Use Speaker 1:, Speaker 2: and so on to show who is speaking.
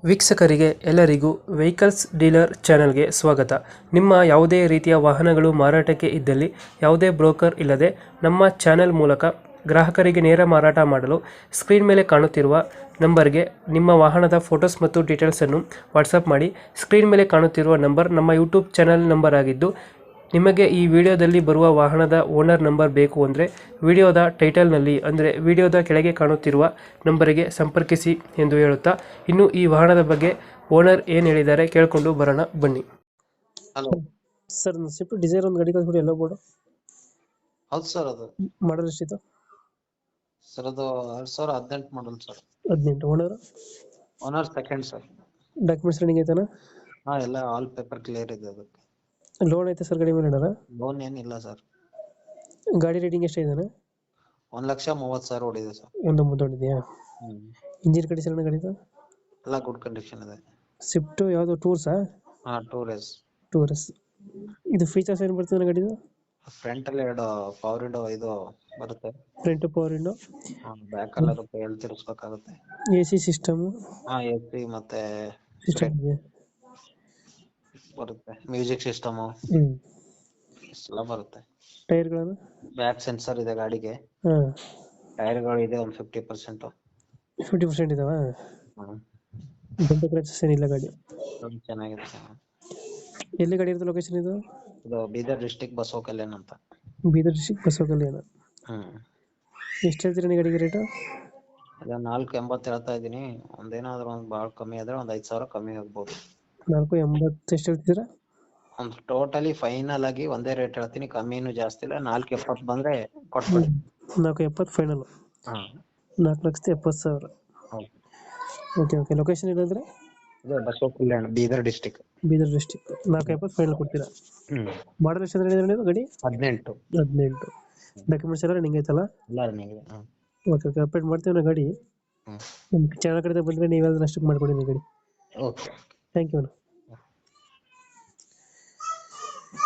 Speaker 1: ವೀಕ್ಷಕರಿಗೆ ಎಲ್ಲರಿಗೂ vehicles dealer ಚಾನೆಲ್ಗೆ ಸ್ವಾಗತ. ನಿಮ್ಮ ಯಾವುದೇ ರೀತಿಯ ವಾಹನಗಳು ಮಾರಾಟಕ್ಕೆ ಇದ್ದಲ್ಲಿ ಯಾವುದೇ ಬ್ರೋಕರ್ ಇಲ್ಲದೆ ನಮ್ಮ ಚಾನೆಲ್ ಮೂಲಕ ಗ್ರಾಹಕರಿಗೆ ನೇರ ಮಾರಾಟ ಮಾಡಲು ಸ್ಕ್ರೀನ್ ಮೇಲೆ ಕಾಣುತ್ತಿರುವ ನಂಬರ್ಗೆ ನಿಮ್ಮ ವಾಹನದ ಫೋಟೋಸ್ ಮತ್ತು ಡೀಟೇಲ್ಸನ್ನು ವಾಟ್ಸಪ್ ಮಾಡಿ. ಸ್ಕ್ರೀನ್ ಮೇಲೆ ಕಾಣುತ್ತಿರುವ ನಂಬರ್ ನಮ್ಮ ಯೂಟ್ಯೂಬ್ ಚಾನೆಲ್ ನಂಬರ್ ಆಗಿದ್ದು, ನಿಮಗೆ ಈ ವಿಡಿಯೋದಲ್ಲಿ ಬರುವ ವಾಹನದ ಓನರ್ ನಂಬರ್ ಬೇಕು ಅಂದರೆ ವಿಡಿಯೋದ ಟೈಟಲ್ನಲ್ಲಿ ಅಂದರೆ ವಿಡಿಯೋದ ಕೆಳಗೆ ಕಾಣುತ್ತಿರುವ ನಂಬರಿಗೆ ಸಂಪರ್ಕಿಸಿ ಎಂದು ಹೇಳುತ್ತಾ, ಇನ್ನು ಈ ವಾಹನದ ಬಗ್ಗೆ ಓನರ್ ಏನು ಹೇಳಿದ್ದಾರೆ ಕೇಳಿಕೊಂಡು ಬರೋಣ ಬನ್ನಿ.
Speaker 2: ಹಲೋ
Speaker 1: ಸರ್, ಸ್ವಿಫ್ಟ್ ಡಿಸೈರ್ ಒಂದು ಗಾಡಿ ಕಳಿಸ್ಬಿಡಿ ಎಲ್ಲ ಬೋರ್ಡು
Speaker 2: ಹೌದು ಸರ್. ಅದು
Speaker 1: ಮಾಡಲ್ ಎಷ್ಟಿತ್ತು?
Speaker 2: ಸರ್ ಅದು 2018 model sir.
Speaker 1: 18. Owner
Speaker 2: owner second sir.
Speaker 1: Documents running ಐತಾನ?
Speaker 2: ಹಾ, ಎಲ್ಲ ಆಲ್ ಪೇಪರ್ ಕ್ಲಿಯರ್ ಇದೆ. ಅದಕ್ಕೆ
Speaker 1: ಲೋನ್ ಐತೆ ಸರ್ ಗಾಡಿ ಮೇಲೆ ಏನಾರ?
Speaker 2: ಲೋನ್ ಏನಿಲ್ಲ ಸರ್.
Speaker 1: ಗಾಡಿ ರೇಟಿಂಗ್ ಎಷ್ಟಿದೆ?
Speaker 2: 1,30,000 ಓಡಿದೆ ಸರ್.
Speaker 1: ಒಂದು ಮುದ್ದೊಂಡಿದೆಯಾ? ಇಂಜಿನ್ ಕಂಡೀಷನ್ ಗಾಡಿದು
Speaker 2: ಎಲ್ಲ ಗುಡ್ ಕಂಡೀಷನ್ ಇದೆ.
Speaker 1: ಸ್ವಿಫ್ಟ್ ಯಾವುದು ಟೂರ್ಸಾ?
Speaker 2: ಹಾ, ಟೂರ್ಸ್.
Speaker 1: ಟೂರ್ಸ್. ಇದು ಫೀಚರ್ಸ್ ಏನು ಬರ್ತದೆ ಗಾಡಿದು?
Speaker 2: ಫ್ರಂಟ್ ಅಲ್ಲಿ 2 ಪವರ್ ವಿಂಡೋ ಇದು ಬರುತ್ತೆ.
Speaker 1: ಫ್ರಂಟ್ ಪವರ್ ವಿಂಡೋ,
Speaker 2: ಬ್ಯಾಕ್ ಅಲ್ಲಿ ಇರುತ್ತೆ, ಎಲ್ಲಿ ತಿರ್ಸ್ಬೇಕಾಗುತ್ತೆ.
Speaker 1: AC ಸಿಸ್ಟಮ್
Speaker 2: ಹಾ, AC ಮತ್ತೆ
Speaker 1: ಸಿಸ್ಟಮ್ ಇದೆ.
Speaker 2: ಬರುತ್ತೆ. ಮ್ಯೂಸಿಕ್ ಸಿಸ್ಟಮ್ ಎಲ್ಲ ಬರುತ್ತೆ.
Speaker 1: ಟೈರ್ಗಳನ್ನು
Speaker 2: ಬ್ಯಾಕ್ ಸೆನ್ಸರ್ ಇದೆ ಗಾಡಿಗೆ.
Speaker 1: ಹಾಂ,
Speaker 2: ಟೈರ್ಗಳು ಇದೆ ಒಂದು 50%.
Speaker 1: 50% ಇದಾವ. ಬಂಡೆ ಕ್ರಚಸ್ ಏನಿಲ್ಲ ಗಾಡಿ.
Speaker 2: ಚೆನ್ನಾಗಿದೆ ಸರ್.
Speaker 1: ಎಲ್ಲಿ ಗಾಡಿ ಇರುತ್ತೆ? ಲೊಕೇಶನ್ ಇದು
Speaker 2: ಬೀದರ್ ಡಿಸ್ಟಿಕ್ ಬಸವ ಕಲ್ಯಾಣ ಅಂತ.
Speaker 1: Bidar district Basavakalyan. ಎಷ್ಟು ಹೇಳ್ತೀರಾ ನೀವು ಗಾಡಿಗೆ ರೇಟು?
Speaker 2: ಅದ 4,80 ಹೇಳ್ತಾ ಇದೀನಿ. ಒಂದೇನಾದ್ರೂ ಒಂದು ಭಾಳ ಕಮ್ಮಿ ಆದ್ರೆ ಒಂದು 5,000 ಕಮ್ಮಿ ಆಗ್ಬೋದು.
Speaker 1: 4,80 ಎಷ್ಟು ಹೇಳ್ತೀರಾ?
Speaker 2: ಒಂದು ಟೋಟಲಿ ಫೈನಲ್ ಆಗಿ ಒಂದೇ ರೇಟ್ ಹೇಳ್ತೀನಿ, ಕಮ್ಮಿನೂ ಜಾಸ್ತಿ ಇಲ್ಲ. 4,70 ಬಂದ್ರೆ ಕೊಟ್ಬಿಡಿ.
Speaker 1: 4,70 ಫೈನಲ್.
Speaker 2: ಹಾ,
Speaker 1: 4,70,000.
Speaker 2: ಹೌದು.
Speaker 1: Okay okay. ಲೊಕೇಶನ್ ಇಲ್ಲಂದ್ರೆ
Speaker 2: ಇದು Basavakalyan, Bidar district.
Speaker 1: Bidar district. 4,70 final ಕೊಡ್ತೀರಾ? ಮಾಡಲ್ ಎಷ್ಟು ಅಂದ್ರೆ ಗಾಡಿ?
Speaker 2: 18.
Speaker 1: 18. ಡಾಕ್ಯುಮೆಂಟ್ಸ್ ಎಲ್ಲ ರನ್ನಿಂಗ್ ಐತಲ್ಲ?
Speaker 2: ಎಲ್ಲ ರನ್ನಿಂಗ್ ಇದೆ.
Speaker 1: Okay okay. ಅಪ್ಡೇಟ್ ಮಾಡ್ತೀವಿ ನಾ ಗಾಡಿ. ನಮ್ಮ ಚಾನಲ್ ಕಡೆ ಬಂದರೆ ನೀವೆಲ್ಲ ಅಷ್ಟಕ್ಕೆ ಮಾಡ್ಕೊಡಿ ಗಾಡಿ.
Speaker 2: ಓಕೆ.
Speaker 1: Thank you.